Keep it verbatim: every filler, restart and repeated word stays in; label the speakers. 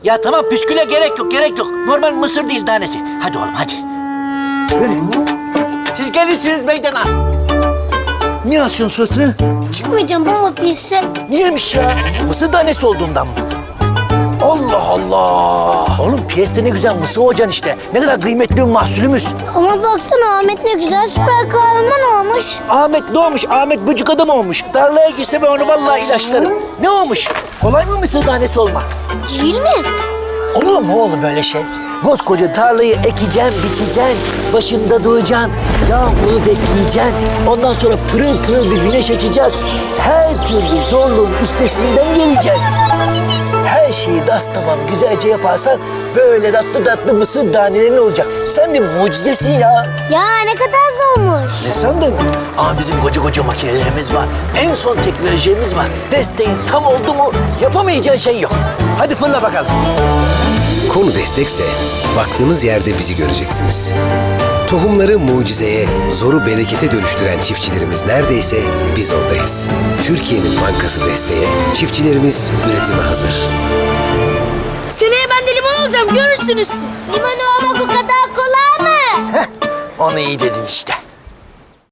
Speaker 1: Ya tamam püsküle gerek yok, gerek yok. Normal mısır değil tanesi. Hadi oğlum hadi. Siz gelirsiniz meydana. Niye asıyorsun suratını?
Speaker 2: Çıkmayacağım baba piyese.
Speaker 1: Niyemiş ya? Mısır tanesi olduğundan mı? Allah Allah! Oğlum piyeste ne güzel mısır olacaksın işte. Ne kadar kıymetli bir mahsulümüz.
Speaker 2: Ama baksana Ahmet ne güzel süper kahraman olmuş.
Speaker 1: Ahmet ne olmuş? Ahmet böcük adam olmuş. Tarlaya girse ben onu vallahi ilaçlarım. Ne olmuş? Kolay mı mısır tanesi olmak?
Speaker 2: Değil mi?
Speaker 1: Olur mu oğlum böyle şey? Koskoca tarlayı ekeceksin, biçeceksin, başında duracaksın, yağmuru bekleyeceksin. Ondan sonra pırıl pırıl bir güneş açacak. Her türlü zorluğun üstesinden geleceksin. Her şeyi das tamam güzelce yaparsan böyle tatlı tatlı mısır tanelerin olacak. Sen bir mucizesin ya.
Speaker 2: Ya ne kadar zormuş.
Speaker 1: Ne sandın? Aa bizim koca koca makinelerimiz var. En son teknolojimiz var. Desteğin tam oldu mu yapamayacağın şey yok. Hadi fırla bakalım.
Speaker 3: Konu destekse baktığınız yerde bizi göreceksiniz. Tohumları mucizeye, zoru berekete dönüştüren çiftçilerimiz neredeyse biz oradayız. Türkiye'nin bankası desteğe, çiftçilerimiz üretime hazır.
Speaker 4: Seneye ben de limon olacağım, görürsünüz siz.
Speaker 2: Limon olmak o kadar kolay mı?
Speaker 1: Heh, onu iyi dedin işte.